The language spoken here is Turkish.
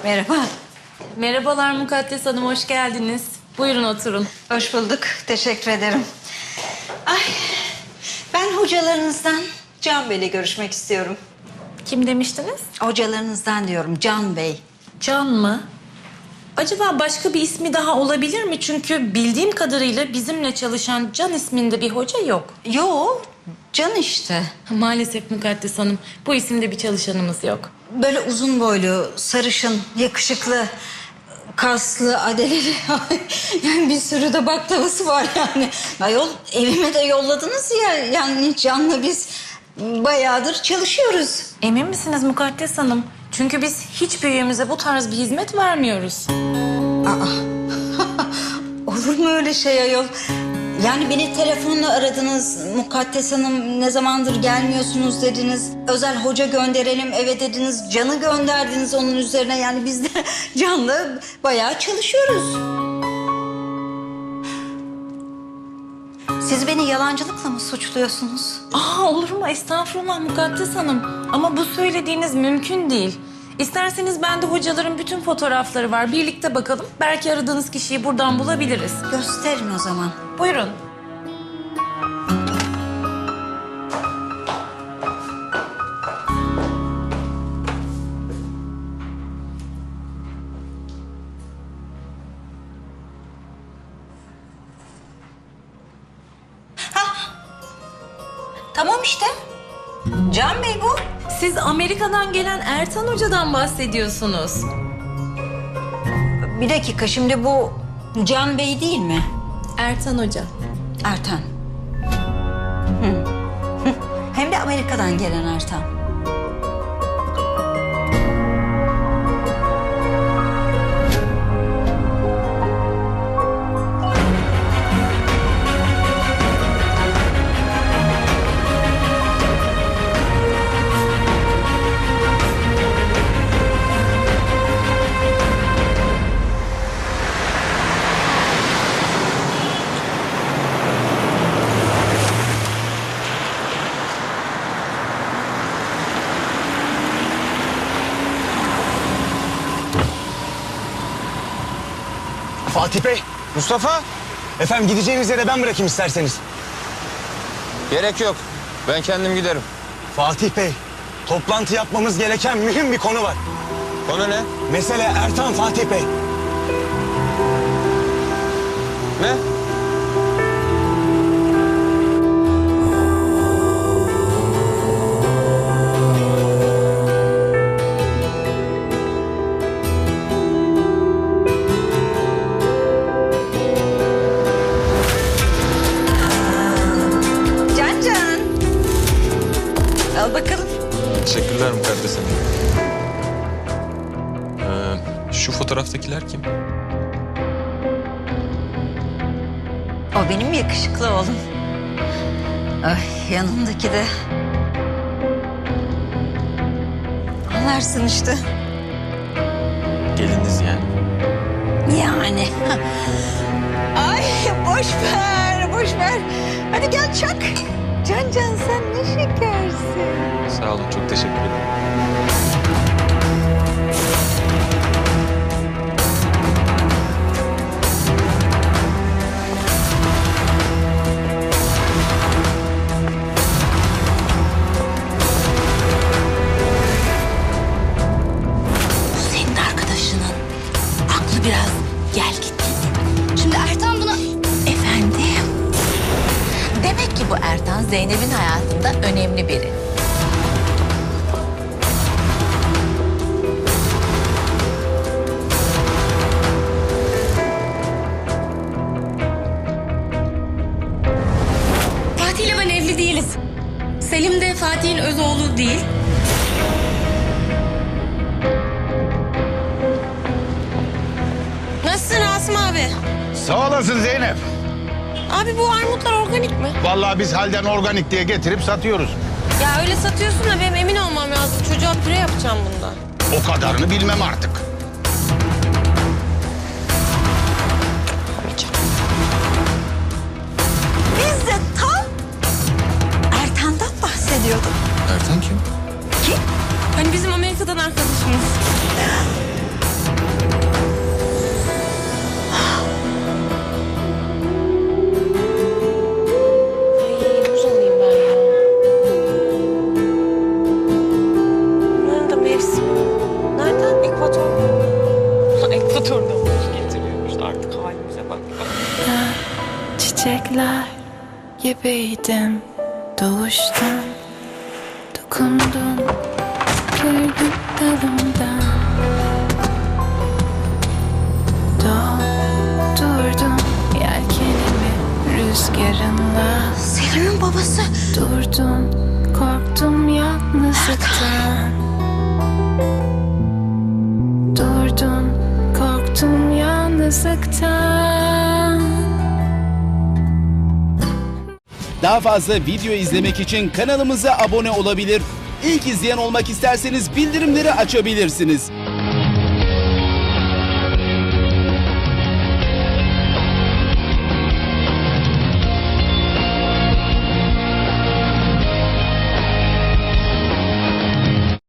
Merhaba. Merhabalar Mukaddes Hanım, hoş geldiniz. Buyurun oturun. Hoş bulduk. Teşekkür ederim. Ay, ben hocalarınızdan Can Bey'le görüşmek istiyorum. Kim demiştiniz? Hocalarınızdan diyorum, Can Bey. Can mı? Acaba başka bir ismi daha olabilir mi? Çünkü bildiğim kadarıyla bizimle çalışan Can isminde bir hoca yok. Yo, Can işte. Maalesef Mukaddes Hanım, bu isimde bir çalışanımız yok. Böyle uzun boylu, sarışın, yakışıklı, kaslı, adeleli. Yani bir sürü de baklavası var yani. Ayol, evime de yolladınız ya. Yani Can'la biz bayağıdır çalışıyoruz. Emin misiniz Mukaddes Hanım? Çünkü biz hiçbir üyemize bu tarz bir hizmet vermiyoruz. Olur mu öyle şey ayol? Yani beni telefonla aradınız. Mukaddes Hanım ne zamandır gelmiyorsunuz dediniz. Özel hoca gönderelim eve dediniz. Can'ı gönderdiniz onun üzerine. Yani biz de Can'la bayağı çalışıyoruz. Siz beni yalancılıkla mı suçluyorsunuz? Olur mu? Estağfurullah Mukaddes Hanım. Ama bu söylediğiniz mümkün değil. İsterseniz bende hocaların bütün fotoğrafları var. Birlikte bakalım. Belki aradığınız kişiyi buradan bulabiliriz. Gösterin o zaman. Buyurun. Tamam işte. Can Bey bu. Siz Amerika'dan gelen Ertan Hoca'dan bahsediyorsunuz. Bir dakika, şimdi bu Can Bey değil mi? Ertan Hoca. Ertan. Hem de Amerika'dan gelen Ertan. Fatih Bey, Mustafa, efendim gideceğiniz yere ben bırakayım isterseniz. gerek yok. Ben kendim giderim. Fatih Bey, toplantı yapmamız gereken mühim bir konu var. Konu ne? Mesele Ertan Fatih Bey. Ne? Can. Al bakalım. Teşekkürler Mukaddes Hanım. Şu fotoğraftakiler kim? O benim yakışıklı oğlum. Ay, yanındaki de. Anlarsın işte. Geliniz yani. Yani. Ay boş ver, boş ver. Hadi gel çak. Can sen ne şekersin. Sağ olun, çok teşekkür ederim. Bu senin arkadaşının. Aklı biraz gel git. Şimdi Ertan buna... Efendim? Demek ki bu Ertan Zeynep'in hayatında önemli biri. Fatih'le ben evli değiliz. Selim de Fatih'in öz oğlu değil. Nasılsın Asım abi? Sağ olasın Zeynep. Abi bu armutlar organik mi? Vallahi biz halden organik diye getirip satıyoruz. Ya öyle satıyorsun da benim emin olmam lazım. Çocuğa püre yapacağım bundan. O kadarını bilmem artık. Biz de tam Ertan'dan bahsediyorduk. Ertan kim? Hani bizim Amerika'dan arkadaşımız. çiçekler gibiydim doğuştan. Dokundun, kırdın dalımdan. Durdum yelkenimi rüzgarınla. Selim'in babası. Durdum, korktum yalnızlıktan. Durdum, korktum yalnızlıktan. Daha fazla video izlemek için kanalımıza abone olabilir. İlk izleyen olmak isterseniz bildirimleri açabilirsiniz.